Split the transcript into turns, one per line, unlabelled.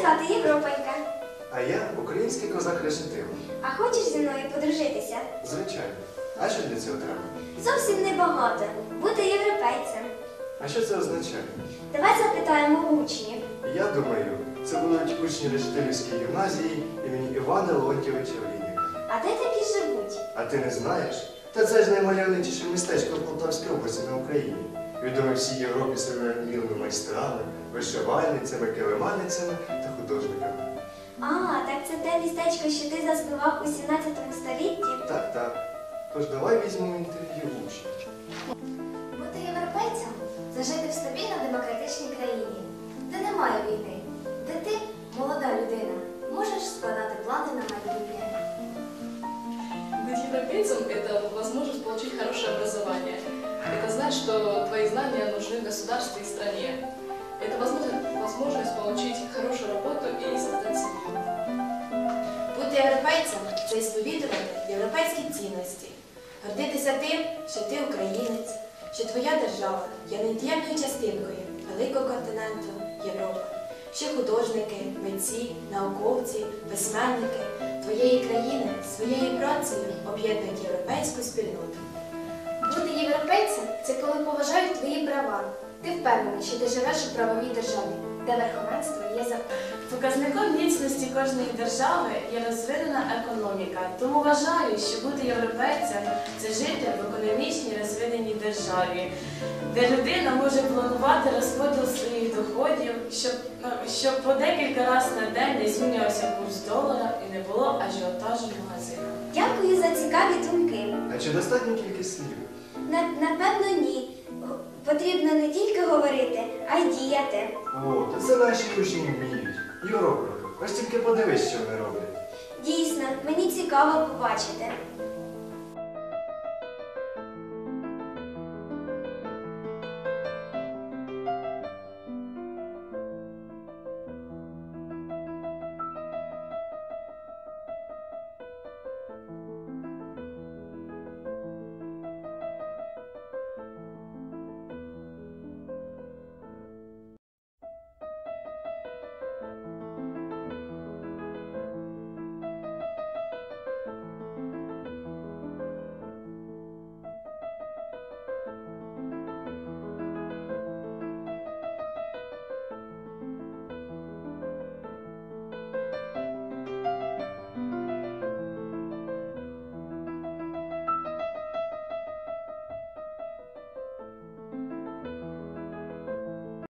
звати Європонька.
А я український козак Решетило.
А хочеш зі мною подружитися?
Звичайно. А що для цього треба?
Зовсім небагато. Бути європейцем.
А що це означає?
Давай запитаємо у учнів.
Я думаю, це будуть учні Решетилівської гімназії імені Івана Леонтьовича Олійника.
А де такі живуть?
А ти не знаєш? Та це ж наймальовничіше містечко в Полтавській області на Україні. Відоме всій Європі своїми вмілими майстрами, вишивальницями, килиманницями та художниками.
А, так це те містечко, що ти заснував у 17 столітті?
Так, так. Тож давай візьмемо інтерв'ю учнів.
Бути європейцем – це жити в стабільно-демократичній країні, де немає війни, де ти, молода людина, можеш складати плани на майбутнє.
Быть европейцем – это возможность получить хорошее образование. Это знать, что твои знания нужны государству и стране. Это возможность получить хорошую работу и создать семью.
Бути європейцем – це сповідувати європейські цінності. Гордитися тим, що ти українець, що твоя держава є невід'ємною частинкою великого континенту Європи, що художники, митці, науковці, письменники твоєї країни своєю працею об'єднують європейську спільноту.
Бути європейцем – це коли поважають твої права. Ти впевнений, що ти живеш у правовій державі, де верховенство є закон.
Показником міцності кожної держави є розвинена економіка. Тому вважаю, що бути європейцем – це жити в економічній розвиненій державі, де людина може планувати розподіл своїх доходів, щоб по декілька разів на день не змінювався курс долара і не було ажіотажу в магазинах.
Дякую за цікаві думки.
А чи достатньо кількість слів?
Напевно, ні. Потрібно не тільки говорити, а й діяти.
О, та це наші учні вміють. Європа, ось тільки подивись, що вони роблять.
Дійсно, мені цікаво побачити.